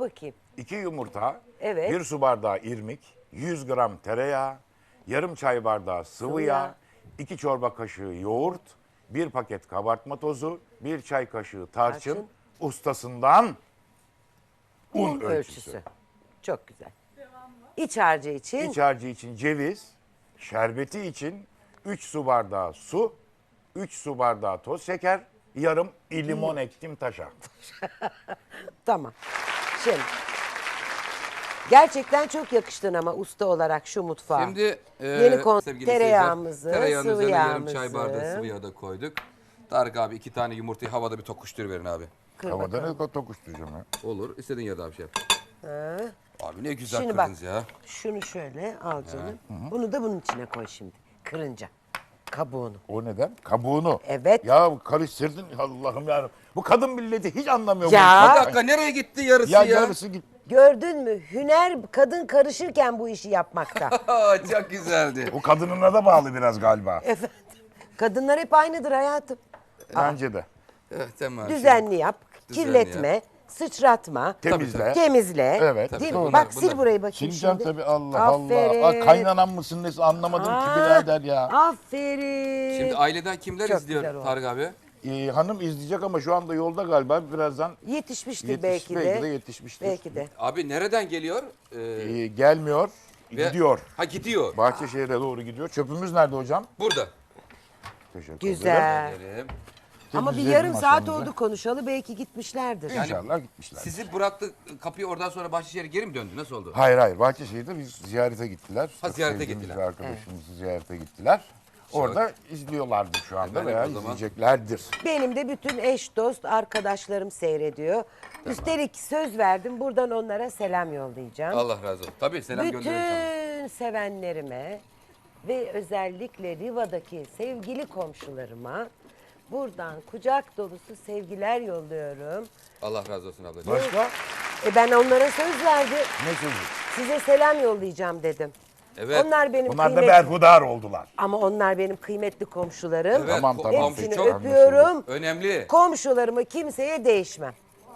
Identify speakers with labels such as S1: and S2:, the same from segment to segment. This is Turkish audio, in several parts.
S1: bakayım.
S2: 2 yumurta,
S1: Evet.
S2: 1 su bardağı irmik, 100 gram tereyağı, yarım çay bardağı sıvı yağ, 2 çorba kaşığı yoğurt, 1 paket kabartma tozu, 1 çay kaşığı tarçın,
S1: Tarçın.
S2: ustasından un
S1: Un
S2: ölçüsü.
S1: Çok güzel. İç harcı için
S2: İç harcı için ceviz, şerbeti için 3 su bardağı su, 3 su bardağı toz şeker, yarım limon ektim taşa.
S1: tamam. Şimdi gerçekten çok yakıştın ama usta olarak şu mutfağa.
S3: Şimdi
S1: Yeni
S3: sevgili
S1: tereyağımızı,
S3: seyirciler, tereyağının
S1: sıvı
S3: üzerine yarım
S1: yağımızı.
S3: çay bardağı sıvı yağ da koyduk. Tarık abi 2 tane yumurtayı havada bir tokuşturuverin abi.
S1: Kır
S2: Havada
S1: bakalım.
S2: ne tokuşturacağım ya?
S3: Olur. İstediğin yerde abi şey yap. Abi ne güzel
S1: Şimdi bak
S3: kırdınız ya.
S1: şunu şöyle al canım. Bunu da bunun içine koy şimdi. Kırınca. Kabuğunu.
S2: O neden? Kabuğunu.
S1: Evet.
S2: Ya karıştırdın Allah'ım ya. Bu kadın milleti hiç anlamıyor.
S1: Ya.
S2: bu
S3: Bir
S2: işi.
S3: dakika nereye gitti yarısı
S2: Ya
S3: ya?
S2: yarısı git.
S1: Gördün mü? Hüner kadın karışırken bu işi yapmakta.
S3: Aa, çok güzeldi.
S2: O kadınına da bağlı biraz galiba.
S1: Efendim. Kadınlar hep aynıdır hayatım.
S2: Bence de.
S3: Evet, tamam.
S1: Düzenli yap,
S3: Düzenli
S1: kirletme,
S3: yap.
S1: sıçratma,
S2: Temizle.
S1: temizle.
S2: Evet.
S1: Değil
S3: Tabii,
S1: mi?
S3: bunlar-
S1: Bak sil
S3: bunlar-
S1: burayı bakayım
S2: Sileceğim
S1: şimdi.
S2: tabii Allah
S1: Aferin.
S2: Allah. Aa, kaynanan mısın nesin anlamadım ki birader ya.
S1: Aferin.
S3: Şimdi aileden kimler
S1: Çok
S3: izliyor
S1: güzel oldu.
S3: Tarık abi?
S2: Hanım izleyecek ama şu anda yolda galiba birazdan
S1: Yetişmiştir belki de.
S2: belki de yetişmiştir.
S1: Belki de.
S3: Abi nereden geliyor?
S2: Gelmiyor,
S3: Ve-
S2: gidiyor.
S3: Ha gidiyor.
S2: Bahçeşehir'e doğru gidiyor. Çöpümüz nerede hocam?
S3: Burada.
S2: Teşekkür ederim.
S1: Güzel.
S3: Gelelim.
S1: Ama bir
S2: Temizledim
S1: yarım saat
S2: masamızı.
S1: oldu konuşalı belki gitmişlerdir.
S2: İnşallah gitmişler.
S3: Sizi bıraktı kapıyı oradan sonra Bahçeşehir'e geri mi döndü? Nasıl oldu?
S2: Hayır Bahçeşehir'de biz ziyarete gittiler.
S3: Ha, ziyarete
S2: Sevdiğimiz
S3: gittiler.
S2: bir arkadaşımızı ziyarete gittiler. Orada izliyorlardır şu anda
S3: Efendim,
S2: veya
S3: o zaman-
S2: izleyeceklerdir.
S1: Benim de bütün eş dost arkadaşlarım seyrediyor. Üstelik söz verdim buradan onlara selam yollayacağım.
S3: Allah razı olsun. Tabii selam gönderiyorum sana.
S1: Bütün sevenlerime ve özellikle Riva'daki sevgili komşularıma buradan kucak dolusu sevgiler yolluyorum.
S3: Allah razı olsun ablacığım.
S2: Başka?
S1: Ben onlara söz verdim.
S2: Ne sözü?
S1: Size selam yollayacağım dedim.
S3: Evet.
S1: Onlar benim
S2: Bunlar da
S1: kıymetli
S2: berhudar oldular.
S1: ama onlar benim kıymetli komşularım.
S3: Evet,
S2: Tamam, tamam.
S1: Hepsini
S3: çok
S1: öpüyorum.
S3: önemli.
S1: Komşularımı kimseye değişmem.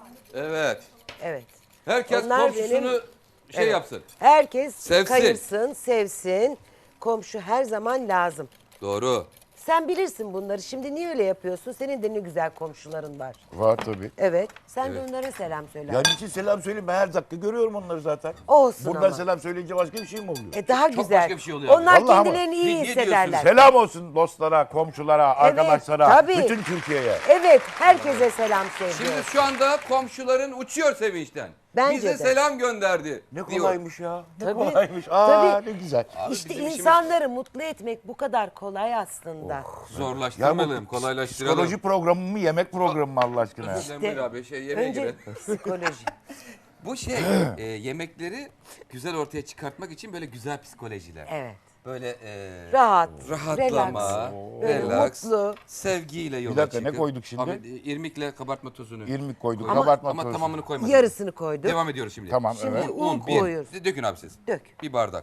S3: Evet.
S1: Evet.
S3: Herkes
S1: Onlar
S3: komşusunu
S1: benim-
S3: şey
S1: Evet.
S3: yapsın.
S1: Herkes
S3: Sevsin.
S1: kayırsın, sevsin. Komşu her zaman lazım.
S3: Doğru.
S1: Sen bilirsin bunları. Şimdi niye öyle yapıyorsun? Senin de ne güzel komşuların var.
S2: Var tabii.
S1: Evet. Sen de onlara selam söyle.
S2: Yani için selam söyleyeyim ben her dakika görüyorum onları zaten.
S1: Olsun
S2: Buradan
S1: ama.
S2: selam söyleyince başka bir şey mi oluyor?
S1: Daha
S3: Çok
S1: güzel.
S3: başka bir şey oluyor abi.
S1: Onlar
S2: Vallahi ama.
S1: kendilerini iyi
S3: Ne
S1: hissederler.
S2: Selam olsun dostlara, komşulara, arkadaşlara,
S1: tabii.
S2: bütün Türkiye'ye.
S1: Evet. Herkese selam sevgi.
S3: Şimdi şu anda komşuların uçuyor sevinçten.
S1: Bence
S3: Bize
S1: de.
S3: selam gönderdi.
S2: Ne
S3: diyor.
S2: kolaymış ya. Ne
S1: Tabii,
S2: kolaymış.
S1: tabii.
S2: Ne güzel.
S3: Abi
S1: İşte
S3: bizim işimiz
S1: insanları mutlu etmek bu kadar kolay aslında.
S3: zorlaştırmalım, kolaylaştıralım.
S2: Psikoloji programı mı, yemek programı mı Allah aşkına ya?
S3: Özür dilerim abi, yemeğe
S1: Önce
S3: girelim.
S1: psikoloji.
S3: Bu yemekleri güzel ortaya çıkartmak için böyle güzel psikolojiler.
S1: Evet.
S3: Böyle
S1: Rahat,
S3: rahatlama,
S1: Böyle
S3: relax,
S1: mutlu.
S3: sevgiyle yola
S2: dakika, ne
S3: çıkıp.
S2: koyduk şimdi?
S3: Abi, irmikle kabartma tozunu.
S2: İrmik koyduk,
S3: Ama
S2: kabartma tozu.
S3: tamamını koymadık.
S1: Yarısını koyduk.
S3: Devam ediyoruz şimdi.
S2: Tamam,
S1: Şimdi
S2: evet.
S1: un
S3: bir.
S1: koyuyoruz.
S3: Dökün abi siz.
S1: Dök.
S3: Bir bardak.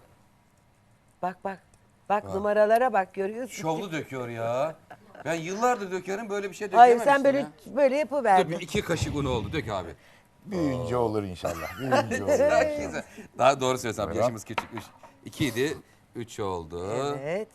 S1: Bak bak. Bak numaralara bak görüyorsun.
S3: Şovlu döküyor ya. Ben yıllardır dökerim böyle bir şey
S1: Hayır
S3: dökememiştim
S1: sen böyle
S3: ya.
S1: böyle
S3: Dur,
S1: yapıverdin.
S3: bir 2 kaşık un oldu. Dök abi.
S2: Büyüyünce olur inşallah. Büyüyünce olur.
S3: Güzel. Daha doğru söylesem
S2: Evet.
S3: yaşımız küçükmüş. 2 idi. 3 oldu.
S1: Evet.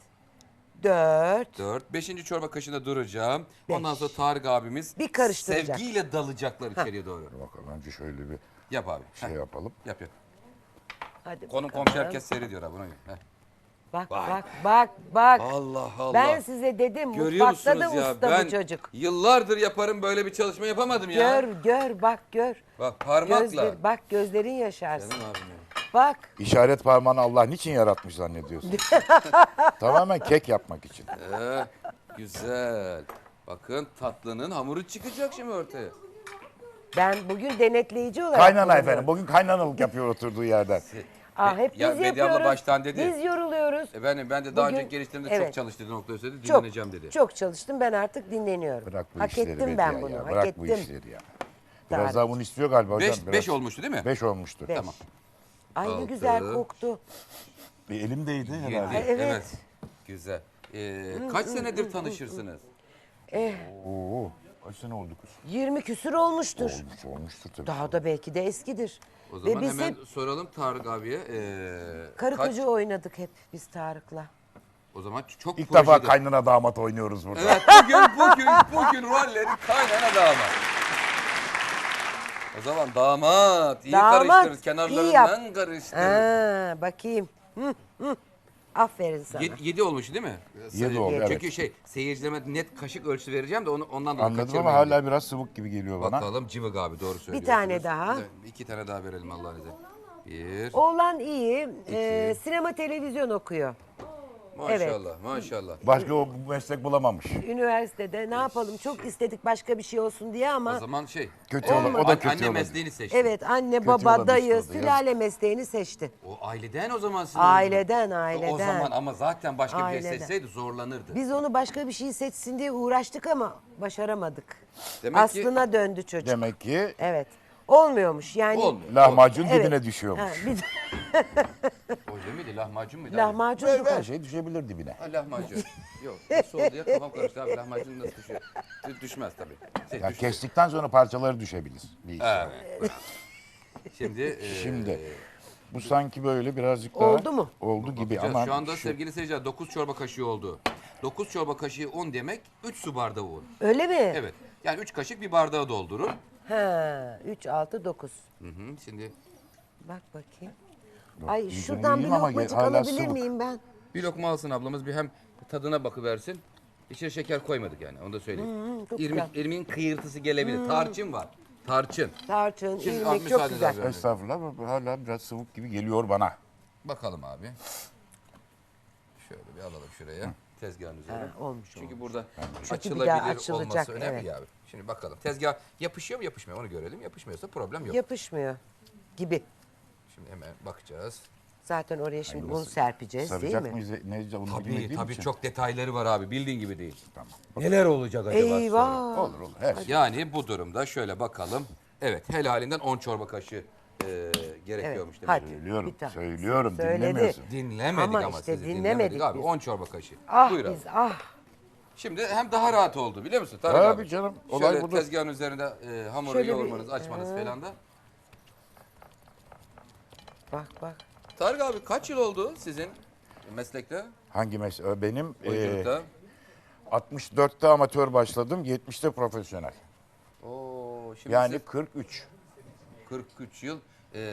S1: 4.
S3: 4. 5. çorba kaşığında duracağım.
S1: Beş.
S3: Ondan sonra Tarık abimiz
S1: Bir karıştıracak.
S3: sevgiyle dalacaklar içeriye doğru.
S2: Bakalım önce şöyle bir
S3: Yap abi.
S2: şey
S3: Heh,
S2: yapalım.
S3: yap yap.
S1: Hadi
S3: Konum
S1: bakalım.
S3: komşu herkes seyrediyor abi. Buna göre. Heh.
S1: Bak
S3: Vay.
S1: bak.
S3: Allah Allah.
S1: Ben size dedim
S3: Görüyor
S1: mutfakta
S3: musunuz
S1: da
S3: ya?
S1: usta
S3: Ben
S1: bu çocuk.
S3: yıllardır yaparım böyle bir çalışma yapamadım ya.
S1: Gör bak gör.
S3: Bak parmakla.
S1: Bak gözlerin yaşarsın.
S3: Canım abim benim.
S1: Bak.
S2: İşaret parmağını Allah niçin yaratmış zannediyorsun? Tamamen kek yapmak için.
S3: Güzel. Bakın tatlının hamuru çıkacak şimdi ortaya.
S1: Ben bugün denetleyici olarak
S2: Kaynana
S1: bulunuyorum.
S2: efendim. Bugün kaynanalık yapıyor oturduğu yerden.
S1: Hep
S3: Ya
S1: biz
S3: Medya abla
S1: yapıyoruz.
S3: baştan dedi.
S1: Biz yoruluyoruz.
S3: Efendim ben de daha
S1: Bugün-
S3: önceki gelişlerimde
S1: evet.
S3: çok çalıştı nokta söyledi.
S1: Çok,
S3: Dinleneceğim dedi.
S1: çok çalıştım. Ben artık dinleniyorum.
S2: Bırak bu
S1: Hak
S2: işleri
S1: ettim
S2: Bediye
S1: ben
S2: ya.
S1: bunu. Hak
S2: Bırak
S1: ettim.
S2: bu işleri ya. Biraz
S1: Tarık.
S2: daha bunu istiyor galiba hocam.
S3: 5 olmuştu değil mi?
S2: 5 olmuştu.
S1: Beş.
S3: Tamam.
S1: Ay ne
S3: Altı.
S1: güzel koktu.
S2: Bir elimdeydi
S3: Yedi.
S2: herhalde.
S1: Evet.
S3: Güzel. Kaç senedir tanışırsınız?
S2: Oo, kaç sene oldu kız?
S1: 20 küsür olmuştur.
S2: Olmuştur tabii.
S1: Daha da belki de eskidir.
S3: O zaman
S1: biz
S3: hemen
S1: hep
S3: soralım Tarık abiye.
S1: karı
S3: kaç-
S1: koca oynadık hep biz Tarık'la.
S3: O zaman çok
S2: İlk defa
S3: projede.
S2: kaynana damat oynuyoruz burada.
S3: Evet bugün rolleri kaynana damat. O zaman damat iyi
S1: Damat,
S3: karıştırır.
S1: iyi
S3: Kenarlarından karıştır.
S1: Bakayım. Aferin sana.
S3: 7 olmuş değil mi?
S2: 7 oldu,
S3: Çünkü
S2: evet.
S3: seyircilerime net kaşık ölçüsü vereceğim de ondan dolayı
S2: Anladım ama
S3: kaçırmayın
S2: hala
S3: diye.
S2: biraz sıvık gibi geliyor bana.
S3: Bakalım Cıvık abi doğru söylüyorsunuz.
S1: tane daha.
S3: 2 tane daha verelim Allah'ın izniyle. 1.
S1: Oğlan iyi. Sinema televizyon okuyor.
S3: Maşallah maşallah.
S2: Başka o meslek bulamamış.
S1: Üniversitede ne yapalım çok istedik başka bir şey olsun diye
S3: O
S1: ama
S3: zaman
S2: Kötü olur. O da kötü
S3: anne
S2: olur.
S3: mesleğini seçti.
S1: evet anne
S2: Kötü
S1: baba
S2: olabilir
S1: dayı
S2: orada,
S1: sülale mesleğini seçti.
S3: O aileden o zaman sizin.
S1: Aileden.
S3: O zaman ama zaten başka bir
S1: Aileden.
S3: şey seçseydi zorlanırdı.
S1: Biz onu başka bir şey seçsin diye uğraştık ama başaramadık.
S3: Demek ki-
S1: Aslına döndü çocuk.
S2: Demek ki
S1: Evet. Olmuyormuş yani.
S3: Olmuyor.
S2: lahmacun
S1: Evet.
S2: dibine
S1: Ha,
S2: düşüyormuş.
S1: bir
S3: Öyle miydi? Lahmacun muydu?
S1: lahmacun
S2: Her,
S1: çok
S2: her şey düşebilir dibine.
S3: Ha, lahmacun. Yok. Nasıl oldu ya? Kafam karıştı abi. Lahmacun nasıl düşüyor? Düşmez tabii.
S2: Ya
S3: Düşüyor.
S2: kestikten sonra parçaları düşebilir. Bir iş.
S3: Evet. Şimdi,
S2: Şimdi bu sanki böyle birazcık daha
S1: Oldu mu?
S2: oldu gibi
S3: bakacağız.
S2: ama
S3: Şu anda sevgili seyirciler 9 çorba kaşığı oldu. 9 çorba kaşığı un demek 3 su bardağı un.
S1: Öyle mi?
S3: Evet. Yani 3 kaşık bir bardağı doldurun.
S1: Ha, 3 6 9.
S3: Hı hı. Şimdi
S1: Bak bakayım. Ay
S2: iyice
S1: şuradan bir
S2: yiyeyim ama
S1: lokmacık
S2: hala
S1: alabilir
S2: sıvık.
S1: miyim ben?
S3: bir lokma alsın ablamız bir hem tadına bakıversin. İçine şeker koymadık yani onu da söyleyeyim.
S1: çok
S3: İrmiğin kıyırtısı gelebilir. Tarçın var. Tarçın.
S1: Tarçın,
S3: Şimdi
S1: ilmek çok
S3: müsaade
S1: güzel.
S3: abi.
S2: estağfurullah bu hala biraz sıvık gibi geliyor bana.
S3: Bakalım abi. Şöyle bir alalım şuraya. Tezgahın üzerine.
S1: Ha, olmuş,
S3: Çünkü burada
S1: Çünkü bir daha
S3: açılabilir
S1: açılacak,
S3: olması önemli
S1: evet.
S3: ya abi. Şimdi bakalım. Tezgah yapışıyor mu yapışmıyor mu onu görelim. Yapışmıyorsa problem yok.
S1: Yapışmıyor gibi.
S3: Şimdi hemen bakacağız.
S1: Zaten oraya şimdi un serpeceğiz değil
S2: Saracak
S1: mi?
S2: mıyız? Ne onu
S3: Tabii
S2: bilmediğim
S3: tabii
S2: için.
S3: çok detayları var abi. Bildiğin gibi değil.
S2: Tamam.
S3: Neler olacak acaba sonra?
S1: Eyvah.
S2: Olur olur her şey.
S3: Yani bu durumda şöyle bakalım. Evet helalinden 10 çorba kaşığı gerekiyormuş demek.
S1: Hadi.
S2: Söylüyorum,
S1: Bir tane.
S2: söylüyorum
S1: Söyledi.
S2: dinlemiyorsun.
S3: Dinlemedik
S1: Ama
S3: ama,
S1: işte
S3: sizi
S1: dinlemedik
S3: abi.
S1: biz.
S3: 10 çorba kaşığı.
S1: Ah
S3: Buyur abi.
S1: biz
S3: Şimdi hem daha rahat oldu biliyor musun Tarık
S2: Tabii
S3: abi?
S2: canım, olay
S3: Şöyle
S2: budur.
S3: tezgahın üzerinde hamuru
S1: Şöyle bir-
S3: yoğurmanız, açmanız falan da.
S1: bak.
S3: Tarık abi kaç yıl oldu sizin meslekte?
S2: Hangi mesele? Benim
S3: Oyunculukta?
S2: 64'te amatör başladım, 70'te profesyonel.
S3: Oo, şimdi
S2: Yani
S3: siz
S2: 43.
S3: 43 yıl.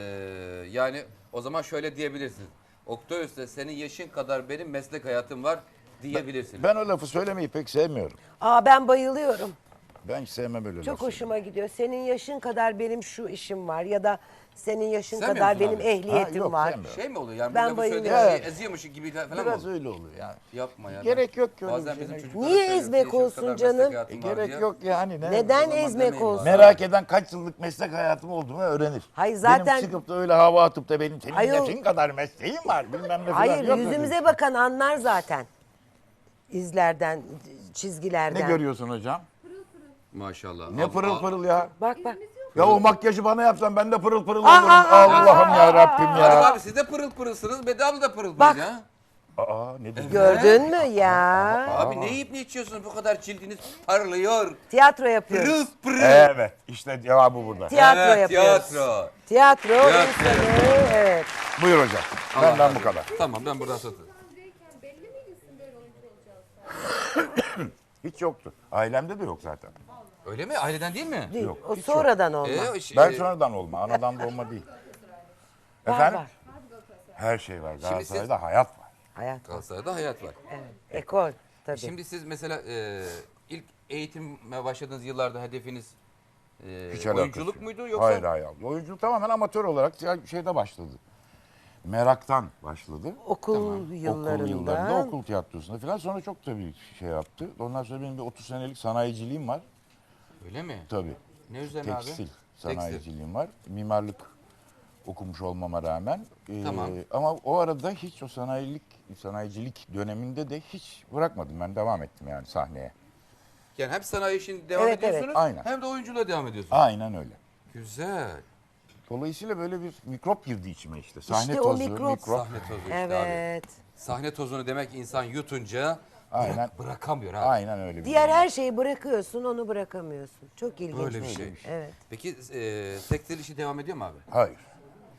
S3: Yani o zaman şöyle diyebilirsiniz. Oktavius'ta senin yaşın kadar benim meslek hayatım var diyebilirsiniz.
S2: Ben o lafı söylemeyi pek sevmiyorum.
S1: Aa ben bayılıyorum.
S2: Ben hiç sevmem öyle
S1: Çok
S2: lafı.
S1: hoşuma gidiyor. Senin yaşın kadar benim şu işim var ya da senin yaşın
S3: Sevmiyor
S1: kadar
S3: musun
S1: benim
S3: abi?
S1: ehliyetim
S2: Ha, yok,
S1: var.
S2: sevmiyorum.
S3: Şey mi oluyor yani
S1: Ben
S3: bu lafı söylediğin
S1: bayılıyorum.
S3: şeyi eziyormuş gibi falan mı
S2: Biraz
S3: oluyor?
S2: öyle oluyor yani.
S3: Yapma ya.
S2: Gerek yok ki öyle
S3: Bazen
S2: bir şey.
S3: bizim çocuklara
S1: Niye
S3: söylüyoruz,
S1: ezmek
S3: yaşın kadar
S1: olsun
S3: meslek
S1: canım?
S3: hayatım var
S2: Gerek
S3: diye.
S2: yok yani. Ne?
S1: Neden
S3: zaman
S1: ezmek
S3: demeyin
S1: olsun?
S3: bana.
S2: Merak eden kaç yıllık meslek hayatım olduğumu öğrenir.
S1: Hayır, zaten-
S2: Benim çıkıp da öyle hava atıp da benim senin
S1: Ayol-
S2: yaşın kadar mesleğim var bilmem ne falan
S1: Hayır
S2: yok öyle.
S1: yüzümüze bakan anlar zaten. İzlerden, çizgilerden.
S2: Ne görüyorsun hocam?
S3: Maşallah.
S2: Ne pırıl pırıl ya.
S1: Bak.
S2: Ya o makyajı bana yapsan ben de pırıl pırıl olurum. Allah'ım ya Rabbim
S3: Tarık
S2: ya.
S3: abi siz de pırıl pırılsınız. Bedava da pırıl
S1: Bak.
S3: pırıl ya.
S2: Aa ne dedin?
S1: Gördün mü ya?
S3: Abi ne yiyip ne içiyorsunuz bu kadar cildiniz parlıyor.
S1: Tiyatro yapıyoruz.
S3: Pırıl pırıl.
S2: Evet işte cevabı burada.
S1: Tiyatro
S3: Evet,
S1: yapıyoruz.
S3: tiyatro.
S1: Tiyatro
S3: Tiyatro.
S1: insanı, evet.
S2: Buyur hocam.
S3: Allah
S2: Benden
S3: razı
S2: bu kadar.
S3: olsun. Tamam ben buradan satayım.
S4: Önceyken belli miydi sizin böyle oyuncu olacağınız?
S2: Hiç yoktu. Ailemde de yok zaten.
S3: Öyle mi? Aileden değil mi?
S1: Değil. O sonradan olma.
S2: Ben sonradan olma. Anadan doğma değil. Efendim?
S1: Var.
S2: Her şey var.
S3: siz-
S2: Galatasaray'da hayat var.
S1: Hayat.
S3: Galatasaray'da hayat var.
S1: Evet. Ekol tabii.
S3: Şimdi siz mesela ilk eğitime başladığınız yıllarda hedefiniz
S2: Hiç alakası
S3: oyunculuk
S2: yok.
S3: muydu yoksa?
S2: Hayır hayır. Oyunculuk tamamen amatör olarak şeyde başladı. Meraktan başladı.
S1: Okul yıllarında.
S2: Okul yıllarında, okul tiyatrosunda falan. Sonra çok tabii şey yaptı. Ondan sonra benim bir 30 senelik sanayiciliğim var.
S3: Öyle mi?
S2: Tabii.
S3: Ne üzerine abi?
S2: Tekstil sanayiciliğim var. Mimarlık okumuş olmama rağmen.
S3: Tamam.
S2: Ama o arada hiç o sanayicilik döneminde de hiç bırakmadım. Ben devam ettim yani sahneye.
S3: Yani hem sanayi işini devam
S1: Evet,
S3: ediyorsunuz
S2: evet. Aynen.
S3: hem de oyunculuğa devam ediyorsunuz.
S2: Aynen öyle.
S3: Güzel.
S2: Dolayısıyla böyle bir mikrop girdi içime işte. Sahne
S1: İşte o
S2: tozu,
S1: mikrop.
S3: Sahne tozu işte abi.
S1: Evet.
S3: Sahne tozunu demek insan yutunca
S2: Aynen.
S3: bırakamıyor abi.
S2: Aynen öyle bir
S1: Diğer
S2: durum.
S1: her şeyi bırakıyorsun, onu bırakamıyorsun. Çok ilginç.
S3: Böyle bir şey.
S1: Evet.
S3: Peki tekstil işi devam ediyor mu abi?
S2: Hayır.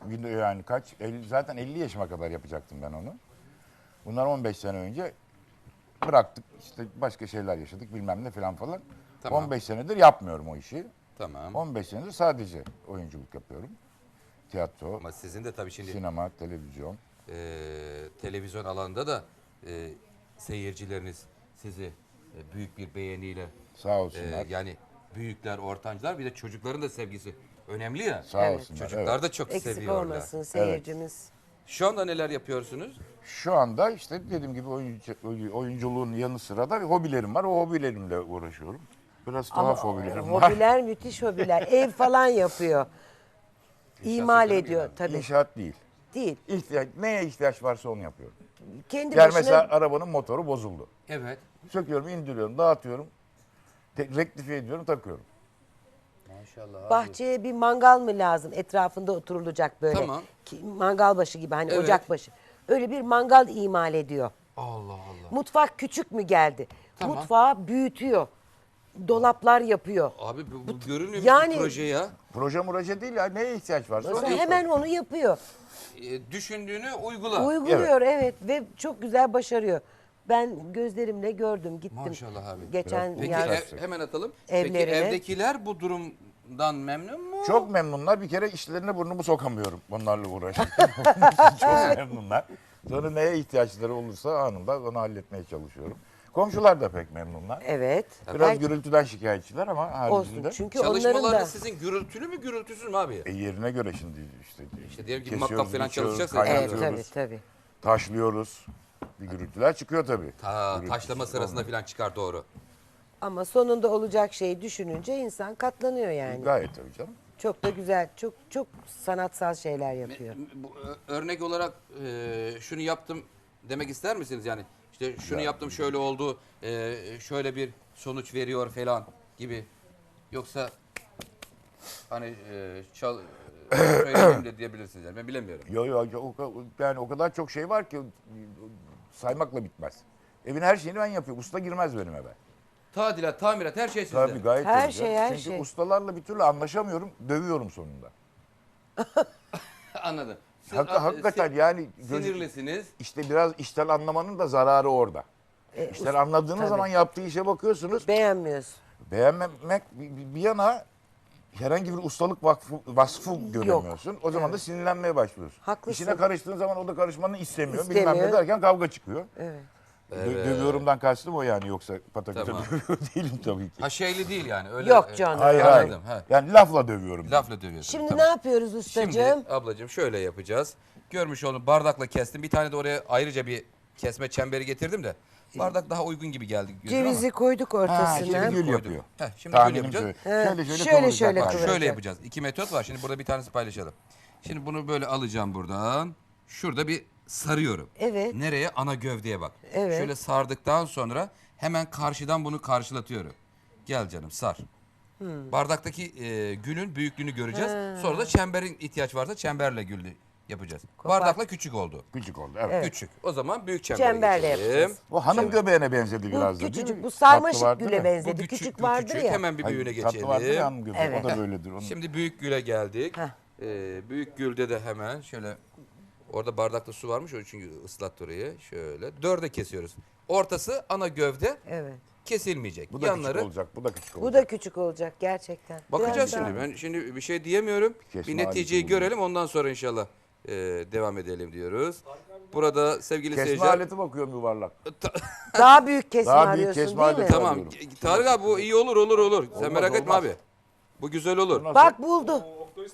S2: Yani zaten 50 yaşıma kadar yapacaktım ben onu. Bunlar 15 sene önce bıraktık. İşte başka şeyler yaşadık bilmem ne falan.
S3: Tamam.
S2: 15 senedir yapmıyorum o işi.
S3: Tamam.
S2: 15 senedir sadece oyunculuk yapıyorum. Tiyatro,
S3: Ama sizin de tabii şimdi
S2: sinema, televizyon.
S3: televizyon alanında da seyircileriniz sizi büyük bir beğeniyle
S2: Sağ olsunlar.
S3: yani büyükler, ortancılar bir de çocukların da sevgisi önemli ya.
S2: Sağ
S1: Evet.
S2: olsunlar.
S3: Çocuklar
S2: evet.
S3: da çok
S1: Eksik
S3: seviyorlar.
S1: olmasın seyircimiz.
S3: Şu anda neler yapıyorsunuz?
S2: Şu anda işte dediğim gibi oyunculuğun yanı sıra da hobilerim var. O hobilerimle uğraşıyorum. Biraz tuhaf hobilerim var.
S1: Hobiler müthiş hobiler. Ev falan yapıyor. İmal
S3: sektörü mü
S1: ediyor
S3: yani?
S1: tabii.
S2: İnşaat değil.
S1: Değil.
S2: Neye ihtiyaç varsa onu yapıyorum.
S1: Kendi
S2: Yani
S1: başına
S2: mesela arabanın motoru bozuldu.
S3: Evet.
S2: Söküyorum, indiriyorum, dağıtıyorum. Rektifiye ediyorum, takıyorum.
S3: Maşallah abi.
S1: bahçeye bir mangal mı lazım? Etrafında oturulacak böyle.
S3: Tamam.
S1: Mangal başı gibi hani
S3: Evet.
S1: ocak başı. Öyle bir mangal imal ediyor.
S3: Allah Allah.
S1: Mutfak küçük mü geldi?
S3: Tamam.
S1: Mutfağı büyütüyor. Dolaplar yapıyor.
S3: Abi bu görünmüyor
S1: yani-
S3: bir proje ya.
S2: Proje değil ya. Neye ihtiyaç varsa onu
S1: Mesela
S2: yapıyorum.
S1: hemen onu yapıyor.
S3: Düşündüğünü uygula.
S1: Uyguluyor evet ve çok güzel başarıyor. Ben gözlerimle gördüm, gittim.
S3: Maşallah abi.
S1: Geçen
S3: Peki
S1: yaz.
S3: hemen atalım.
S1: Evlerine.
S3: Peki evdekiler bu durumdan memnun mu?
S2: Çok memnunlar. Bir kere işlerine burnumu sokamıyorum onlarla uğraşırken. Çok memnunlar. Sonra neye ihtiyaçları olursa anında onu halletmeye çalışıyorum. Komşular da pek memnunlar.
S1: Evet.
S2: Biraz
S1: Her-
S2: gürültüden şikayetçiler ama
S1: olsun.
S2: haricinde.
S1: Çünkü onların
S3: Çalışmalarınız
S1: da
S3: sizin gürültülü mü gürültüsüz mü abi?
S2: Yerine göre şimdi işte.
S3: İşte diyelim ki
S2: kesiyoruz,
S3: makkap falan
S2: biçiyoruz,
S3: çalışacaksa-
S1: evet
S2: kaynatıyoruz,
S1: tabii.
S2: taşlıyoruz. Bir gürültüler çıkıyor tabii. Gürültüsüz
S3: Taşlama sırasında
S2: olmaz.
S3: falan çıkar doğru.
S1: Ama sonunda olacak şeyi düşününce insan katlanıyor yani.
S2: Gayet tabii canım.
S1: Çok da güzel, çok çok sanatsal şeyler yapıyor.
S3: Örnek olarak şunu yaptım demek ister misiniz yani? İşte şunu yaptım şöyle oldu, şöyle bir sonuç veriyor falan gibi. Yoksa hani söyleyeyim de diyebilirsiniz yani ben bilemiyorum.
S2: Yani o kadar çok şey var ki saymakla bitmez. Evin her şeyini ben yapıyorum. Usta girmez benim eve.
S3: Tadilat, tamirat her şey sizde.
S2: Tabii gayet
S1: Her
S2: tabii
S1: şey,
S2: canım.
S1: her
S2: Çünkü
S1: şey.
S2: ustalarla bir türlü anlaşamıyorum. Dövüyorum sonunda.
S3: Anladım. Siz
S2: Hakikaten yani
S3: sinirlisiniz.
S2: işte biraz işten anlamanın da zararı orada. İşten anladığınız
S1: tabii.
S2: zaman yaptığı işe bakıyorsunuz.
S1: Beğenmiyorsun.
S2: Beğenmemek bir yana herhangi bir ustalık vasfı göremiyorsun. O zaman da sinirlenmeye başlıyorsun.
S1: Haklısın.
S2: İşine karıştığın zaman o da karışmanı istemiyor.
S1: İstemiyor.
S2: Bilmem ne derken kavga çıkıyor.
S1: Evet.
S2: Dövüyorumdan kastım o yani yoksa pataküte
S3: Tamam.
S2: dövüyor değilim tabii ki.
S3: Ha şeyli değil yani. Öyle,
S1: Yok canım.
S2: Hayır
S3: Anladım,
S2: hayır.
S3: ha.
S2: Yani lafla dövüyorum.
S3: Lafla dövüyorsun.
S1: Şimdi
S3: tamam.
S1: ne yapıyoruz ustacığım?
S3: Şimdi ablacığım şöyle yapacağız. Görmüş olduğunuz bardakla kestim. Bir tane de oraya ayrıca bir kesme çemberi getirdim de. Bardak daha uygun gibi geldi. gözüme
S1: Cevizi
S3: ama.
S1: koyduk
S2: Ha,
S1: ortasına.
S2: şimdi gül
S3: Koydum.
S2: yapıyor.
S3: Heh, şimdi gül
S2: Tahminim
S3: yapacağız.
S2: şöyle.
S1: He,
S2: Şöyle
S1: şöyle
S2: kıvıracak
S1: şöyle
S2: bak.
S1: kıvıracak.
S3: Şöyle yapacağız. 2 metot var. Şimdi burada bir tanesi paylaşalım. Şimdi bunu böyle alacağım buradan. Şurada bir sarıyorum.
S1: Evet.
S3: Nereye? Ana gövdeye bak.
S1: Evet.
S3: Şöyle sardıktan sonra hemen karşıdan bunu karşılatıyorum. Gel canım sar. Bardaktaki gülün büyüklüğünü göreceğiz. Sonra da çemberin ihtiyaç varsa çemberle gülü yapacağız. Bardakla küçük oldu.
S2: Küçük oldu evet.
S3: Küçük. O zaman büyük çembere
S1: Çemberle
S3: geçelim.
S1: yapacağız.
S2: O hanım göbeğine benzedi
S1: Bu
S2: biraz da değil
S1: küçücük,
S2: mi?
S1: bu
S2: Tatlı
S1: sarmaşık
S2: vardı
S1: güle
S2: ya.
S1: benzedi.
S3: Bu
S1: Küçük,
S3: bu
S1: vardır
S3: küçük.
S1: ya.
S3: Hemen bir büyüğüne
S2: Hayır, tatlı vardı ya
S3: geçelim.
S2: hanım göbeği.
S1: Evet.
S2: O da böyledir. Onun...
S3: Şimdi büyük güle geldik.
S1: Heh.
S3: Büyük gülde de hemen şöyle orada bardakta su varmış o çünkü ıslattı orayı. Şöyle dörde kesiyoruz. Ortası ana gövde
S1: Evet.
S3: kesilmeyecek.
S2: Bu da
S3: Yanları
S2: küçük olacak. Bu da küçük olacak.
S1: Bu da küçük olacak gerçekten.
S3: bakacağız
S1: Biraz
S3: şimdi.
S1: daha-
S3: Ben şimdi bir şey diyemiyorum.
S2: Kesme
S3: bir neticeyi
S2: aleti
S3: görelim ondan sonra inşallah devam edelim diyoruz. Burada sevgili
S2: Kesme
S3: seyirciler.
S2: aleti bakıyorum yuvarlak.
S1: Daha büyük kesme
S2: Daha büyük
S1: arıyorsun
S2: kesme
S1: değil mi?
S2: aleti.
S3: Tamam.
S2: alıyorum.
S3: Tarık abi bu iyi olur. Sen
S2: Olmaz,
S3: merak etme
S2: olmaz.
S3: abi. Bu güzel olur.
S2: Nasıl?
S1: Bak buldu.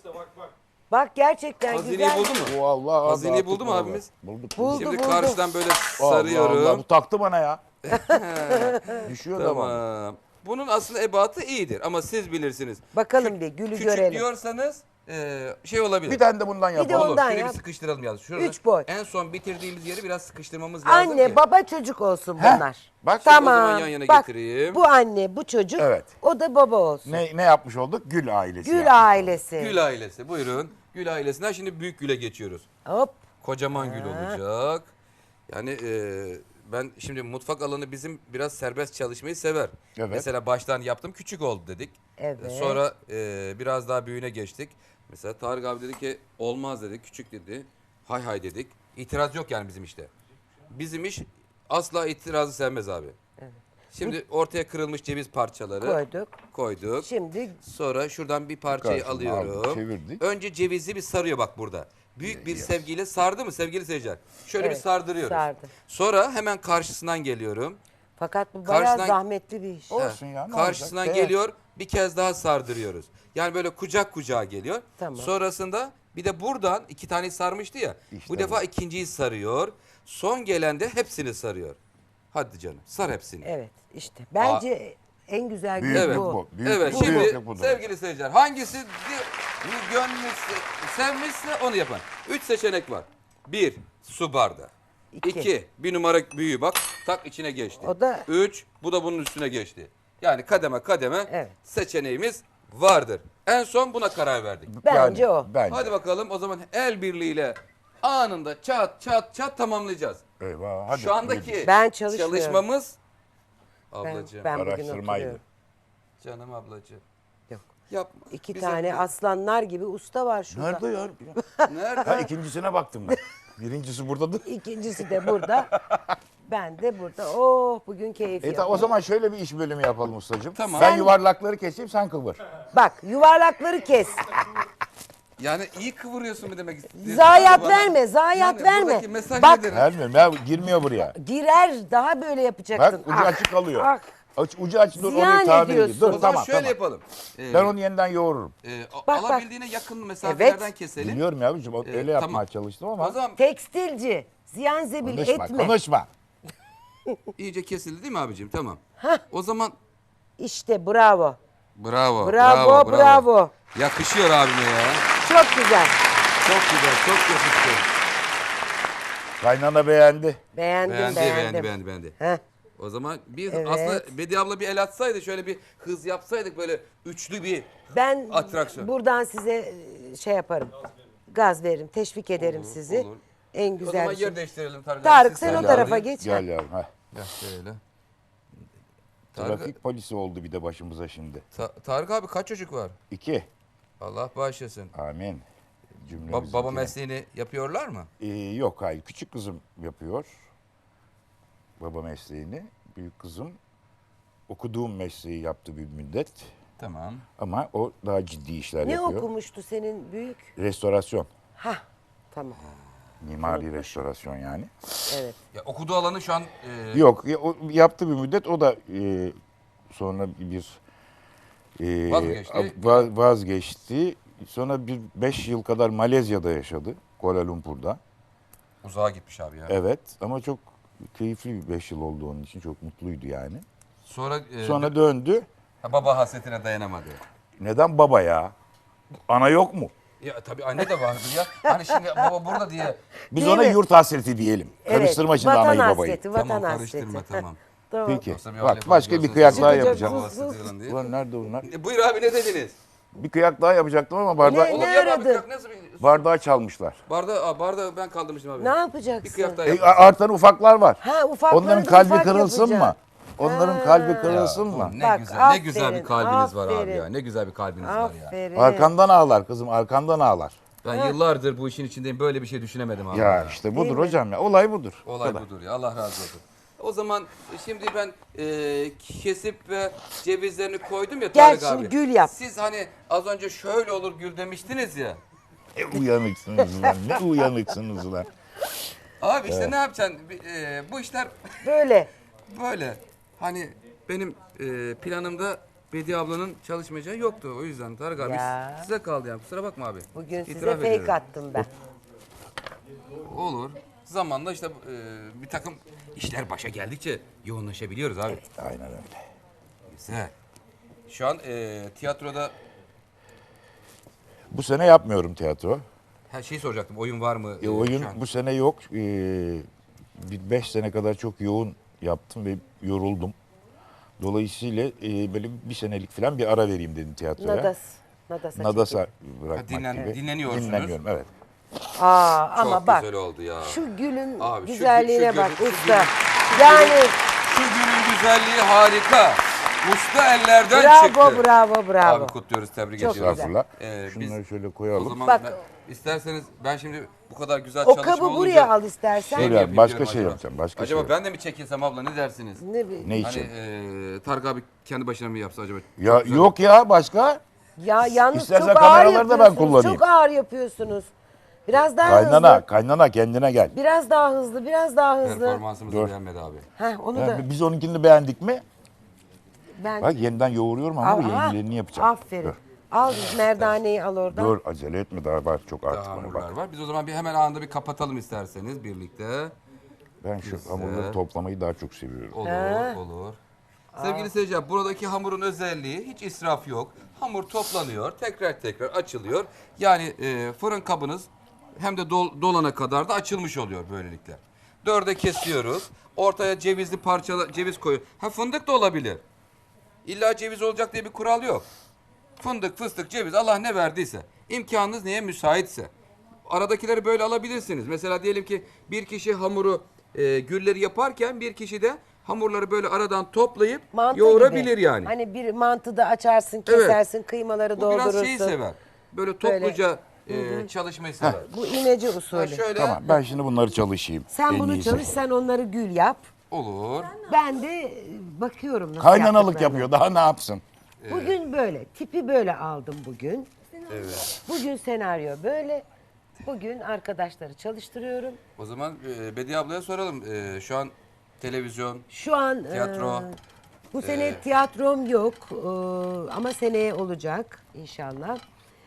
S1: Bak gerçekten
S3: Hazineyi
S1: güzel.
S3: buldu mu?
S2: O Allah.
S3: Hazineyi
S2: dağıttık
S3: buldu mu
S2: vallahi.
S3: abimiz?
S2: Bulduk.
S1: Buldu,
S3: Şimdi
S1: buldu.
S3: karşıdan böyle
S2: Allah
S3: sarıyorum.
S2: Allah, bu taktı bana ya. Düşüyor da bana.
S3: Tamam. Bunun aslında ebatı iyidir ama siz bilirsiniz.
S1: Bakalım bir gülü
S3: Küçük
S1: görelim.
S3: diyorsanız şey olabilir.
S2: Bir tane de bundan
S1: de
S2: yapalım.
S3: Olur.
S1: ondan
S3: Şöyle
S1: yap.
S3: bir sıkıştıralım yalnız. Şurada
S1: 3 boy.
S3: en son bitirdiğimiz yeri biraz sıkıştırmamız lazım
S1: Anne
S3: ki.
S1: baba çocuk olsun bunlar.
S2: Bak,
S3: o
S1: Tamam.
S3: zaman yan yana
S1: Bak,
S3: getireyim.
S1: bu anne bu çocuk.
S2: Evet.
S1: O da baba olsun.
S2: Ne yapmış olduk? Gül ailesi.
S1: Gül
S2: yapmış.
S1: ailesi.
S3: Gül ailesi. Buyurun. Gül ailesinden şimdi büyük güle geçiyoruz.
S1: Hop.
S3: Kocaman gül olacak. Yani ben şimdi mutfak alanı bizim biraz serbest çalışmayı sever.
S2: Evet.
S3: Mesela baştan yaptım küçük oldu dedik.
S1: Evet.
S3: Sonra biraz daha büyüğüne geçtik. Mesela Tarık abi dedi ki olmaz dedi, küçük dedi. Hay hay dedik. İtiraz yok yani bizim işte. Bizim iş asla itirazı sevmez abi. Şimdi ortaya kırılmış ceviz parçaları koyduk.
S1: Şimdi
S3: Sonra şuradan bir parçayı
S2: Karşıma
S3: alıyorum.
S2: aldık, çevirdik.
S3: Önce cevizi bir sarıyor bak burada. Büyük bir sevgiyle sardı mı sevgili seyirciler? Şöyle
S1: Evet,
S3: bir sardırıyoruz.
S1: sardı.
S3: Sonra hemen karşısından geliyorum.
S1: fakat bu bayağı
S3: Karşıdan-
S1: zahmetli bir iş.
S2: Olsun ya, ne
S3: Karşısından
S2: olacak?
S3: geliyor, bir kez daha sardırıyoruz. Yani böyle kucak kucağa geliyor.
S1: Tamam.
S3: Sonrasında bir de buradan 2 tane sarmıştı ya.
S2: İşte
S3: bu defa
S2: bu.
S3: ikinciyi sarıyor. Son gelen de hepsini sarıyor. Hadi canım sar hepsini.
S1: Evet işte. Bence en güzel gün
S2: Büyüklük
S1: bu.
S2: bu.
S3: Evet
S2: bu,
S3: şimdi
S2: büyüklük budur.
S3: sevgili seyirciler hangisi gönlünüz sevmişse onu yapın. 3 seçenek var. 1 su bardağı.
S1: İki.
S3: 2 bir numara büyüğü bak tak içine geçti.
S1: O da-
S3: 3 bu da bunun üstüne geçti. Yani kademe kademe
S1: Evet.
S3: seçeneğimiz vardır. En son buna karar verdik.
S1: Bence o.
S2: Bence.
S3: Hadi bakalım o zaman el birliğiyle anında çat çat çat tamamlayacağız.
S2: Eyvah, hadi.
S3: Şu andaki
S1: Ben çalışmıyorum.
S3: çalışmamız
S1: Ben,
S3: ablacığım.
S1: ben bugün
S2: Araştırmaydı.
S1: oturuyorum.
S3: Canım ablacığım.
S1: Yok.
S3: Yapma.
S1: İki
S3: Bize-
S1: tane aslanlar gibi usta var şurada.
S2: Nerede ya?
S3: Nerede?
S2: Ha, ikincisine baktım ben. Birincisi buradadır.
S1: İkincisi de burada. Ben de burada. Oh bugün keyif
S2: O
S1: yapıyorum.
S2: zaman şöyle bir iş bölümü yapalım ustacığım.
S3: Tamam.
S2: Ben
S1: Sen-
S2: yuvarlakları keseyim, sen kıvır.
S1: Bak yuvarlakları kes.
S3: Yani iyi kıvırıyorsun mu demek istiyorsun?
S1: Zayiat
S3: Bana-
S1: verme, zayiat
S3: Yani
S1: verme.
S3: buradaki mesaj
S1: Bak
S3: nedir?
S2: Vermiyorum ya, girmiyor buraya.
S1: girer daha böyle yapacaksın.
S2: Bak ucu açık kalıyor.
S1: ah.
S2: Ucu açık, dur
S1: Ziyan
S2: onu tamir edeyim.
S1: ediyorsun.
S2: Dur
S3: O zaman
S2: tamam
S3: şöyle
S2: tamam.
S3: yapalım.
S2: Ben onu yeniden yoğururum.
S1: Bak.
S3: Alabildiğine yakın mesafelerden keselim.
S2: Biliyorum ya abicim, öyle yapmaya
S3: tamam.
S2: çalıştım
S3: O
S2: ama.
S3: zaman
S1: Tekstilci. Ziyan zebil
S2: Konuşma,
S1: etme.
S2: konuşma.
S3: iyice kesildi değil mi abicim? Tamam. O zaman
S1: İşte bravo.
S3: bravo,
S1: Bravo.
S3: Yakışıyor abime ya.
S1: Çok güzel.
S3: Çok güzel, çok yakıştı.
S2: Kaynana beğendi.
S3: Beğendi.
S1: Heh.
S3: O zaman bir
S1: Evet.
S3: aslında Bediye abla bir el atsaydı şöyle bir hız yapsaydık böyle üçlü bir
S1: Ben
S3: atraksiyon.
S1: buradan size şey yaparım. Gaz veririm, teşvik ederim sizi.
S3: olur.
S1: En
S3: O
S1: güzel
S3: zaman
S1: bir şey.
S3: yer değiştirelim Tarık abi.
S1: Tarık
S3: Siz
S1: sen o
S3: gel
S1: tarafa
S3: abi.
S1: geç.
S2: Gel yavrum. Heh.
S3: Gel şöyle. Tarık,
S2: Trafik polisi oldu bir de başımıza şimdi.
S3: Tarık abi kaç çocuk var?
S2: 2.
S3: Allah bağışlasın.
S2: Amin. Cümlemizdeki.
S3: Baba mesleğini yapıyorlar mı?
S2: Yok hayır. Küçük kızım yapıyor. Baba mesleğini. Büyük kızım okuduğum mesleği yaptı bir müddet.
S3: Tamam.
S2: Ama o daha ciddi işler
S1: Ne
S2: yapıyor.
S1: okumuştu senin büyük?
S2: Restorasyon.
S1: Hah tamam.
S2: Mimari restorasyon yani.
S1: Evet.
S3: Ya okuduğu alanı şu an
S2: Yok o yaptı bir müddet. O da sonra bir
S3: Vazgeçti.
S2: vazgeçti. Sonra bir 5 yıl kadar Malezya'da yaşadı. Kuala Lumpur'da.
S3: uzağa gitmiş abi ya.
S2: Evet ama çok keyifli bir 5 yıl oldu onun için. Çok mutluydu yani.
S3: Sonra,
S2: Sonra döndü.
S3: baba hasretine dayanamadı.
S2: Neden baba ya? Ana yok mu?
S3: Ya tabii anne de vardı ya. Hani şimdi baba burada diye.
S2: Biz
S1: Değil
S2: ona
S1: mi?
S2: yurt hasreti diyelim. Karıştırma şimdi
S1: vatan
S2: anayı babayı.
S1: hasreti, vatan
S3: Tamam
S1: hasreti.
S3: karıştırma tamam.
S1: Tamam.
S2: Peki.
S3: Yoksa bir
S2: Bak
S3: öyle
S2: başka bir
S3: yapıyorsun,
S2: kıyak
S3: sen
S2: daha
S3: baba
S2: yapacağım.
S3: hasreti diye.
S2: Ulan nerede bunlar?
S3: Buyur abi ne dediniz?
S2: Bir kıyak daha yapacaktım ama bardağı,
S1: Ne?
S3: Oğlum ya abi
S1: aradın?
S3: kıyak nasıl bir...
S2: bardağı çalmışlar.
S3: Bardağı ben kaldırmıştım abi.
S1: Ne yapacaksın?
S3: Bir kıyak daha
S2: E,
S3: yapalım.
S2: artan ufaklar var.
S1: Ha ufakları
S2: Onların
S1: da
S2: kalbi
S1: ufak
S2: kırılsın
S1: yapacaksın.
S2: mı? Onların kalbi kırılsın
S3: Ya,
S2: mı?
S3: Ne
S1: Bak,
S3: güzel, ne güzel
S1: aferin,
S3: bir kalbiniz var abi
S1: aferin.
S3: ya. Ne güzel bir kalbiniz var ya.
S1: Aferin.
S2: Arkandan ağlar kızım, arkandan ağlar.
S3: Ben yıllardır bu işin içindeyim. Böyle bir şey düşünemedim abi.
S2: Ya işte budur
S1: Değil mi?
S2: hocam ya. Olay budur. Bu
S3: Olay
S2: kadar.
S3: budur ya. Allah razı olsun. O zaman şimdi ben kesip ve cevizlerini koydum ya
S1: Gel
S3: Tarık
S1: şimdi
S3: abi.
S1: gül yap.
S3: Siz hani az önce şöyle olur gül demiştiniz ya.
S2: Uyanıksınız lan. Ne uyanıksınız lan.
S3: Abi işte ne yapacaksın? Bu işler
S1: Böyle.
S3: böyle. Hani benim planımda Bediye ablanın çalışmayacağı yoktu. O yüzden Tarık abi
S1: Ya.
S3: size kaldı yani. Kusura bakma abi.
S1: Bugün size
S3: İtiraf
S1: fake
S3: ediyorum.
S1: attım ben.
S3: Olur. Zamanla işte bir takım işler başa geldikçe yoğunlaşabiliyoruz abi.
S2: Aynen öyle.
S3: Güzel. Şu an tiyatroda
S2: Bu sene yapmıyorum tiyatro.
S3: her şeyi soracaktım. Oyun var mı?
S2: Oyun
S3: şu an?
S2: bu sene yok. Bir 5 sene kadar çok yoğun yaptım ve yoruldum. Dolayısıyla böyle bir senelik falan bir ara vereyim dedim tiyatroya.
S1: Nadas'a
S2: Nadas'a
S1: çekeyim.
S2: bırakmak gibi.
S3: dinleniyorsunuz.
S2: Dinleniyorum evet.
S1: Ama
S3: Çok
S1: bak
S3: güzel oldu ya.
S1: şu gülün
S3: Abi, şu
S1: güzelliğine
S3: şu
S1: bak
S3: gülün-
S1: usta. Yani
S3: Şu günün güzelliği harika. Usta ellerden
S1: Bravo,
S3: çıktı.
S1: bravo, bravo.
S3: Abi kutluyoruz, tebrik
S1: Çok
S3: ediyoruz.
S1: güzel.
S2: Estağfurullah.
S3: Biz
S2: Şunları şöyle
S3: o
S2: koyalım.
S3: zaman
S1: Bak.
S3: isterseniz ben şimdi bu kadar güzel
S1: O
S3: çalışma
S1: kabı
S3: olunca
S1: buraya al istersen.
S3: şey mi
S2: Öyle,
S3: yapayım
S2: başka
S3: diyorum
S2: şey
S3: acaba?
S2: yapacağım, başka
S3: Acaba
S2: şey
S3: ben de mi çekilsem abla, ne dersiniz?
S1: Ne bileyim.
S2: Ne
S3: Hani
S2: için?
S3: Tarık abi kendi başına mı yapsa acaba?
S2: Ya
S3: Çok güzel.
S2: yok ya başka.
S1: Ya yalnız
S2: İstersen
S1: çok ağır
S2: kameraları da ben
S1: yapıyorsunuz.
S2: kullanayım.
S1: Çok ağır yapıyorsunuz. Biraz daha
S2: Kaynana,
S1: hızlı.
S2: kaynana kendine gel.
S1: Biraz daha hızlı, biraz daha hızlı.
S3: Performansımızı
S2: Dur.
S3: beğenmedi abi.
S1: Heh, onu
S2: Ya
S1: da
S2: biz onunkini beğendik mi?
S1: ben...
S2: Bak yeniden yoğuruyorum ama
S1: Aha,
S2: yenilerini yapacağım.
S1: aferin.
S2: Dur,
S1: Al merdaneyi al oradan.
S2: dur acele etme daha var çok
S3: Daha
S2: artık bana
S3: hamurlar
S2: bak.
S3: var. Biz o zaman bir hemen anında bir kapatalım isterseniz birlikte.
S2: Ben şu hamurları toplamayı daha çok seviyorum.
S3: Olur, olur. Sevgili seyirciler, buradaki hamurun özelliği hiç israf yok. Hamur toplanıyor, tekrar tekrar açılıyor. Yani fırın kabınız hem de dolana kadar da açılmış oluyor böylelikle. Dörde kesiyoruz. Ortaya cevizli parçalar, ceviz koyuyor. Ha, fındık da olabilir. İlla ceviz olacak diye bir kural yok. Fındık, fıstık, ceviz, Allah ne verdiyse. İmkanınız neye müsaitse. Aradakileri böyle alabilirsiniz. Mesela diyelim ki bir kişi hamuru gülleri yaparken bir kişi de hamurları böyle aradan toplayıp
S1: Mantı
S3: yoğurabilir
S1: gibi.
S3: yani.
S1: Hani bir mantıda açarsın,
S3: Evet.
S1: kesersin, kıymaları
S3: Bu
S1: doldurursun.
S3: biraz şeyi sever. Böyle topluca çalışmayı sever.
S1: Bu imece
S3: Ha,
S1: usulü.
S3: şöyle
S2: Tamam ben şimdi bunları çalışayım.
S1: Sen
S2: En
S1: bunu
S2: iyisi.
S1: çalış, sen onları gül yap.
S3: olur.
S1: Ben de bakıyorum nasıl
S2: Kaynanalık
S1: yaptıklarına.
S2: yapıyor daha ne yapsın?
S1: Bugün böyle, tipi böyle aldım bugün.
S3: Evet.
S1: Bugün senaryo böyle. Bugün arkadaşları çalıştırıyorum.
S3: O zaman Bediye ablaya soralım. Şu an televizyon,
S1: Şu an
S3: tiyatro.
S1: bu sene tiyatrom yok ama seneye olacak inşallah.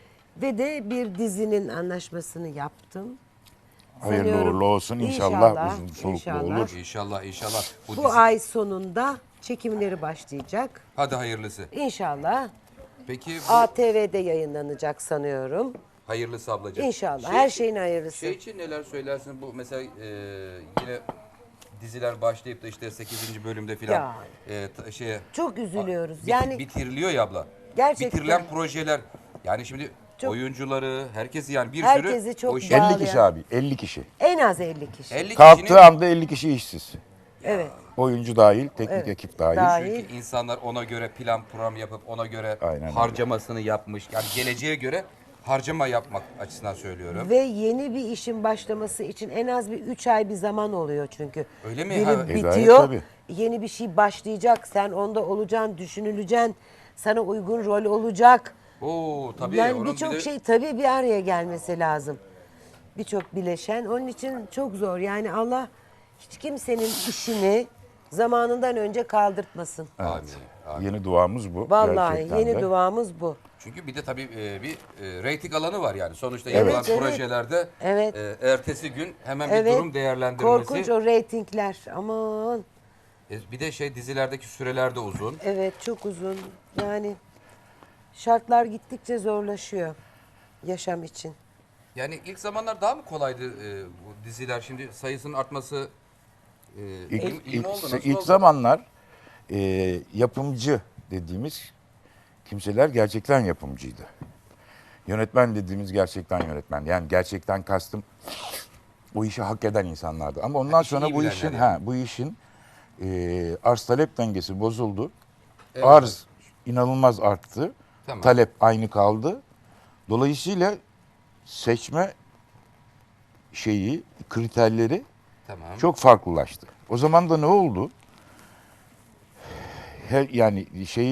S1: Ve de bir dizinin anlaşmasını yaptım.
S2: Hayırlı
S1: Sanıyorum,
S2: uğurlu olsun inşallah, uzun soluklu olur.
S3: İnşallah, inşallah. Bu
S1: Bu
S3: dizi-
S1: ay sonunda çekimleri başlayacak.
S3: Hadi hayırlısı.
S1: İnşallah
S3: Peki bu
S1: ATV'de yayınlanacak sanıyorum.
S3: hayırlısı ablacığım.
S1: İnşallah her şeyin hayırlısı.
S3: Şey için neler söylersin? Bu mesela yine diziler başlayıp da işte 8. bölümde filan
S1: Ya.
S3: şeye
S1: Çok üzülüyoruz. Yani
S3: bitiriliyor ya abla.
S1: Gerçekten.
S3: Bitirilen projeler yani şimdi
S1: Çok-
S3: oyuncuları, herkesi yani bir
S1: Herkesi
S3: sürü
S1: çok
S3: o işe-
S2: 50
S1: bağlı.
S2: kişi abi 50 kişi.
S1: en az 50 kişi.
S3: 50
S2: Kalktığı
S3: kişinin
S2: anda 50 kişi işsiz.
S1: Evet.
S2: Oyuncu dahil, teknik ekip dahil.
S1: Dahil.
S3: çünkü insanlar ona göre plan program yapıp ona göre
S2: Aynen öyle.
S3: harcamasını yapmış. Yani geleceğe göre harcama yapmak açısından söylüyorum.
S1: Ve yeni bir işin başlaması için en az bir 3 ay bir zaman oluyor çünkü.
S3: Öyle mi?
S1: Biri
S3: Ha,
S2: gayet
S1: bitiyor,
S2: tabii.
S1: yeni bir şey başlayacak. Sen onda olacaksın, düşünüleceksin. Sana uygun rol olacak.
S3: Oo tabii.
S1: Yani
S3: onun
S1: birçok
S3: bir de-
S1: şey tabii bir araya gelmesi lazım. Birçok bileşen. Onun için çok zor. Yani Allah hiç kimsenin işini zamanından önce kaldırtmasın.
S3: Amin, amin.
S2: Yeni duamız bu.
S1: Vallahi
S2: gerçekten
S1: yeni
S2: de.
S1: duamız bu.
S3: Çünkü bir de tabii bir reyting alanı var yani. Sonuçta
S1: Evet,
S3: yapılan
S1: evet.
S3: projelerde
S1: Evet.
S3: Ertesi gün hemen bir
S1: Evet.
S3: durum değerlendirmesi.
S1: Korkunç o reytingler. Aman.
S3: Bir de şey dizilerdeki süreler de uzun.
S1: Evet çok uzun. Yani şartlar gittikçe zorlaşıyor yaşam için.
S3: Yani ilk zamanlar daha mı kolaydı bu diziler? Şimdi sayısının artması iyi mi oldu? Nasıl
S2: ilk
S3: oldu?
S2: zamanlar yapımcı dediğimiz kimseler gerçekten yapımcıydı. Yönetmen dediğimiz gerçekten yönetmen. Yani gerçekten kastım o işi hak eden insanlardı. Ama ondan
S3: işi
S2: sonra
S3: iyi
S2: bu
S3: bilenler
S2: işin
S3: yani.
S2: bu işin arz talep dengesi bozuldu.
S3: Evet.
S2: Arz inanılmaz arttı.
S3: Tamam.
S2: Talep aynı kaldı. Dolayısıyla seçme kriterleri
S3: Tamam.
S2: çok farklılaştı. O zaman da ne oldu? Yani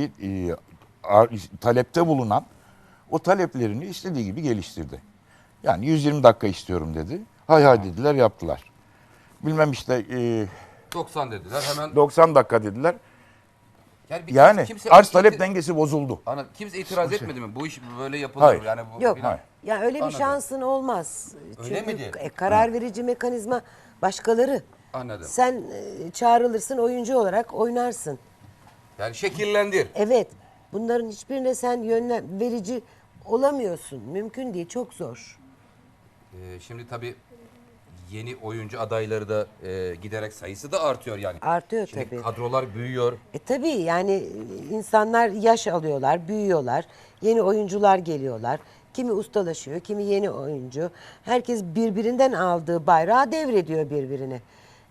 S2: talepte bulunan o taleplerini istediği gibi geliştirdi. Yani 120 dakika istiyorum dedi. Hay hay dediler, yaptılar. Bilmem işte
S3: 90 dediler hemen.
S2: 90 dakika dediler.
S3: Yani,
S2: Yani
S3: kimse
S2: arz talep dengesi bozuldu.
S3: Kimse itiraz etmedi mi? Bu iş böyle yapılır.
S2: Hayır.
S3: Yani bu
S1: Yok.
S3: filan.
S1: Ya öyle bir
S3: Anladım.
S1: şansın olmaz.
S3: Öyle
S1: Çünkü
S3: miydi?
S1: karar verici mekanizma başkaları.
S3: Anladım.
S1: Sen çağrılırsın oyuncu olarak oynarsın.
S3: Yani şekillendir.
S1: Evet. Bunların hiçbirine sen verici olamıyorsun. Mümkün değil. Çok zor.
S3: Şimdi tabii yeni oyuncu adayları da giderek sayısı da artıyor yani.
S1: Artıyor
S3: Şimdi
S1: tabii.
S3: kadrolar büyüyor.
S1: Tabii yani insanlar yaş alıyorlar, büyüyorlar. Yeni oyuncular geliyorlar. Kimi ustalaşıyor, kimi yeni oyuncu. Herkes birbirinden aldığı bayrağı devrediyor birbirine.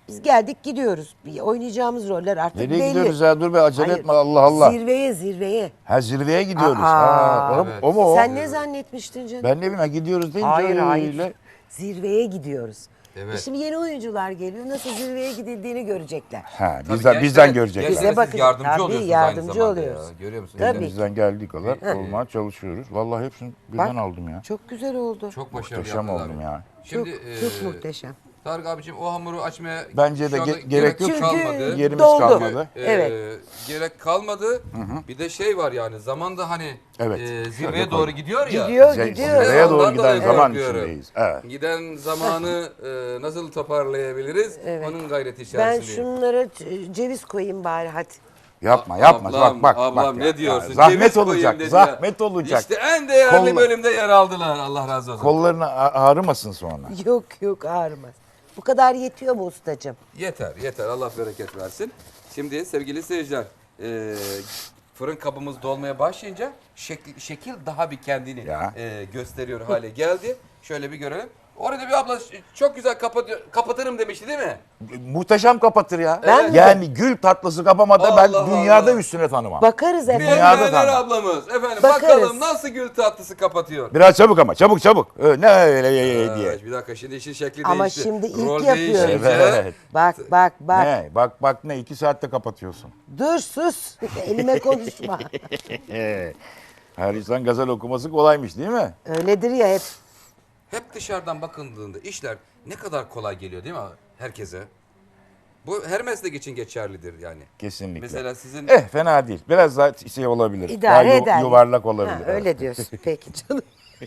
S1: Biz geldik gidiyoruz. Oynayacağımız roller artık
S2: Nereye
S1: belli.
S2: gidiyoruz ya? Dur be acele
S1: Hayır,
S2: etme Allah Allah.
S1: Zirveye.
S2: Ha zirveye gidiyoruz.
S1: Aa,
S2: Ha,
S3: evet.
S2: o mu o?
S1: Sen ne zannetmiştin canım?
S2: Ben ne bileyim ha, gidiyoruz deyince
S1: Hayır
S2: öyle.
S1: hayır. Zirveye gidiyoruz.
S3: Evet.
S1: Şimdi yeni oyuncular geliyor. Nasıl zirveye gidildiğini görecekler.
S2: Ha,
S3: Tabii
S2: bizden
S3: gençlere-
S2: görecekler.
S1: Bize
S3: gençlere siz
S1: bakın,
S3: yardımcı
S1: tabii
S3: oluyorsunuz
S1: yardımcı
S3: aynı zamanda
S1: oluyoruz.
S3: ya. Görüyor musunuz?
S1: Tabii.
S2: Elimizden geldiği kadar olmaya çalışıyoruz. Vallahi hepsini birden aldım ya.
S1: Çok güzel oldu.
S3: Çok başarılı
S2: Muhteşem
S3: yaptılar.
S2: oldum ya.
S3: Şimdi
S1: Çok muhteşem.
S3: Tarık abiciğim o hamuru açmaya
S2: Bence de
S3: şu anda
S2: gerek yok.
S1: Çünkü
S3: kalmadı.
S2: Yerimiz
S1: doldu.
S2: kalmadı.
S1: Evet.
S3: Gerek kalmadı. Bir de şey var yani zamanda hani
S2: Evet.
S3: zirveye
S2: Şöyle
S3: doğru
S2: koy.
S3: gidiyor ya.
S1: Gidiyor.
S2: Zirveye doğru
S3: Ondan
S2: giden
S3: dolayı
S2: zaman
S3: korkuyorum.
S2: içindeyiz. Evet.
S3: Giden zamanı nasıl toparlayabiliriz? Onun gayreti
S1: Ben
S3: içerisindeyim.
S1: şunlara ceviz koyayım bari hadi.
S2: Yapma yapma.
S3: Ablam,
S2: bak
S3: ablam
S2: ya.
S3: ne diyorsun?
S2: Zahmet
S3: Ceviz koyayım
S2: olacak.
S3: dedi
S2: Zahmet
S3: ya.
S2: olacak.
S3: İşte en değerli
S2: Kolla-
S3: bölümde yer aldılar. Allah razı olsun.
S2: Kollarını ağrımasın sonra.
S1: Yok ağrımaz. Bu kadar yetiyor mu ustacığım?
S3: Yeter. Allah bereket versin. Şimdi sevgili seyirciler, fırın kabımız dolmaya başlayınca şekil daha bir kendini
S2: Ya.
S3: gösteriyor hale geldi. Şöyle bir görelim. Orada bir abla çok güzel kapatırım demişti değil mi?
S2: Muhteşem kapatır ya.
S1: Ben mi?
S2: Yani gül tatlısı kapamada ben
S3: Allah
S2: dünyada
S3: Allah.
S2: üstüne tanımam.
S1: Bakarız
S3: Bir
S1: efendim.
S2: Dünyada
S3: Emreler
S2: tanı.
S3: ablamız. Efendim
S1: Bakarız.
S3: bakalım nasıl gül tatlısı kapatıyor.
S2: Biraz çabuk ama çabuk. Ne öyle diye.
S3: Bir dakika şimdi işin şekli
S1: Ama
S3: değişti.
S1: şimdi ilk
S3: Rol
S1: yapıyoruz.
S3: değişince-
S2: Evet.
S1: Bak.
S2: Ne? Bak ne? 2 saatte kapatıyorsun.
S1: Dur sus. Elime konuşma.
S2: Her insan gazel okuması kolaymış değil mi?
S1: Öyledir ya hep.
S3: Hep dışarıdan bakıldığında işler ne kadar kolay geliyor değil mi herkese? Bu her meslek için geçerlidir yani.
S2: Kesinlikle.
S3: Mesela sizin
S2: Fena değil. Biraz daha şey olabilir.
S1: İdare
S2: Daha
S1: eder.
S2: yuvarlak olabilir.
S1: Ha, öyle diyorsun. Peki canım.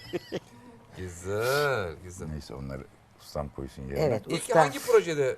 S3: güzel.
S2: Neyse onları ustam koysun yerine.
S1: Evet
S3: İlk
S1: usta.
S3: hangi projede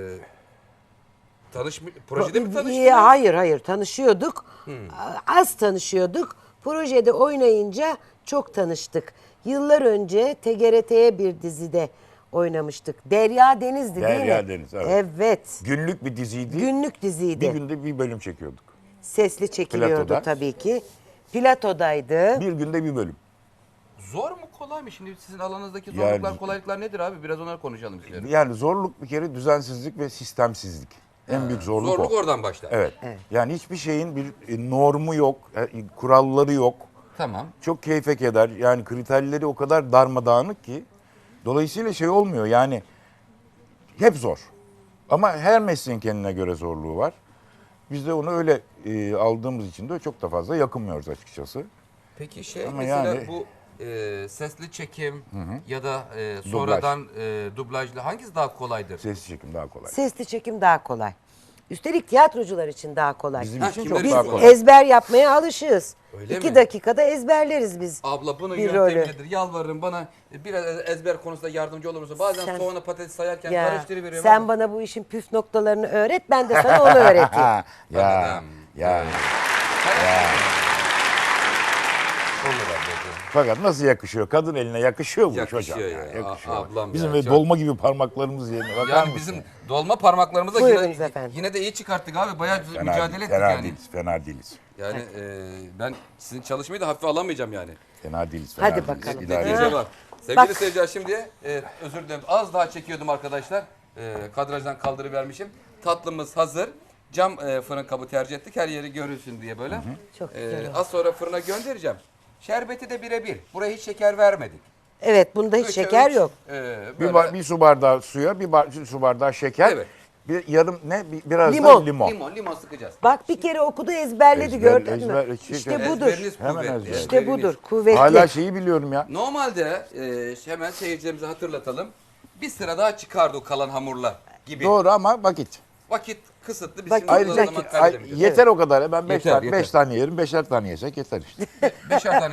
S3: projede mi tanıştınız?
S1: Hayır tanışıyorduk. Az tanışıyorduk. Projede oynayınca çok tanıştık. Yıllar önce TGRT'ye bir dizide oynamıştık. Derya Deniz'di değil mi?
S2: Derya Deniz, evet.
S1: Evet.
S2: Günlük bir diziydi.
S1: Günlük diziydi.
S2: Bir günde bir bölüm çekiyorduk.
S1: Sesli çekiliyordu
S2: Platoda.
S1: tabii ki. Platodaydı.
S2: Bir günde bir bölüm.
S3: Zor mu kolay mı? Şimdi sizin alanınızdaki
S2: Yani-
S3: zorluklar kolaylıklar nedir abi? Biraz onları konuşalım istiyorum.
S2: Yani zorluk bir kere düzensizlik ve sistemsizlik. En büyük zorluk
S3: Zorluk
S2: o.
S3: oradan başlar.
S2: Evet. Yani hiçbir şeyin bir normu yok, kuralları yok.
S3: Tamam.
S2: Çok keyfe keder. Yani kriterleri o kadar darmadağınık ki. Dolayısıyla şey olmuyor yani hep zor. Ama her mesleğin kendine göre zorluğu var. Biz de onu öyle aldığımız için de çok da fazla yakınmıyoruz açıkçası.
S3: Peki şey
S2: Ama
S3: mesela
S2: yani-
S3: bu sesli çekim ya da sonradan dublajlı hangisi daha kolaydır?
S2: Ses çekim daha kolay.
S1: Sesli çekim daha kolay. Üstelik tiyatrocular için daha kolay.
S2: Bizim
S3: Ha,
S2: için
S3: kimler
S2: çok
S3: için
S2: daha
S1: Biz
S2: kolay.
S1: ezber yapmaya alışığız.
S3: Öyle
S1: 2
S3: mi?
S1: dakikada ezberleriz biz.
S3: Abla bunun
S1: bir
S3: yöntemi
S1: rolü.
S3: nedir? Yalvarırım bana biraz ezber konusunda yardımcı olur musun? Bazen
S1: Sen-
S3: soğanla patates sayarken
S1: Ya,
S3: karıştırıveriyorum.
S1: sen
S3: ama-
S1: bana bu işin püf noktalarını öğret, ben de sana onu öğreteyim.
S2: ya
S3: Anladım.
S2: ya.
S3: Olur ablacığım.
S2: Fakat nasıl yakışıyor? Kadın eline yakışıyor bu iş
S3: Yakışıyor
S2: hocam.
S3: ya.
S2: Yakışıyor.
S3: Ablam
S2: Bizim
S3: ya,
S2: böyle
S3: çok-
S2: dolma gibi parmaklarımız yerine bakar
S3: Yani
S2: mısın?
S3: bizim dolma parmaklarımızla
S1: Buyurunuz efendim.
S3: yine de iyi çıkarttık abi. Bayağı mücadele ettik
S2: fena
S3: yani.
S2: değiliz, fena değiliz.
S3: Yani ben sizin çalışmayı da hafife alamayacağım yani.
S2: Fena değiliz, fena
S1: Hadi
S2: değiliz.
S1: bakalım.
S2: İdare
S3: Netice
S2: ederiz.
S3: var. Sevgili
S1: Bak.
S3: seyirciler şimdi özür dilerim az daha çekiyordum arkadaşlar. Kadrajdan kaldırıvermişim. Tatlımız hazır. Cam fırın kabı tercih ettik her yeri görülsün diye böyle.
S1: Çok güzel oldu.
S3: Az sonra fırına göndereceğim. Şerbeti de birebir. Buraya hiç şeker vermedik.
S1: Evet, bunda hiç
S3: Üçe
S1: şeker
S3: üç,
S1: yok.
S2: Bir su bardağı suya, su bardağı şeker,
S3: Evet.
S2: bir yarım biraz
S1: Limon.
S2: da limon.
S3: Limon sıkacağız.
S1: Bak bir kere okudu, ezberledi, gördün mü? İşte budur.
S3: Ezberiniz
S2: Hemen
S3: kuvvetli.
S2: ezber.
S1: İşte
S3: ezberiniz.
S1: budur, kuvvetli.
S2: Hala şeyi biliyorum ya.
S3: Normalde hemen seyircilerimize hatırlatalım. Bir sıra daha çıkardı o kalan hamurlar gibi.
S2: Doğru ama vakit.
S3: Vakit kısıtlı. Biz
S1: Bak-
S3: şimdi
S2: Ayrıca
S3: o zaman kaybedemeyeceğiz.
S2: yeter o kadar. Ben
S3: Yeter,
S2: 5 tane yerim, 5'er tane yesek yeter işte.
S3: Beşer tane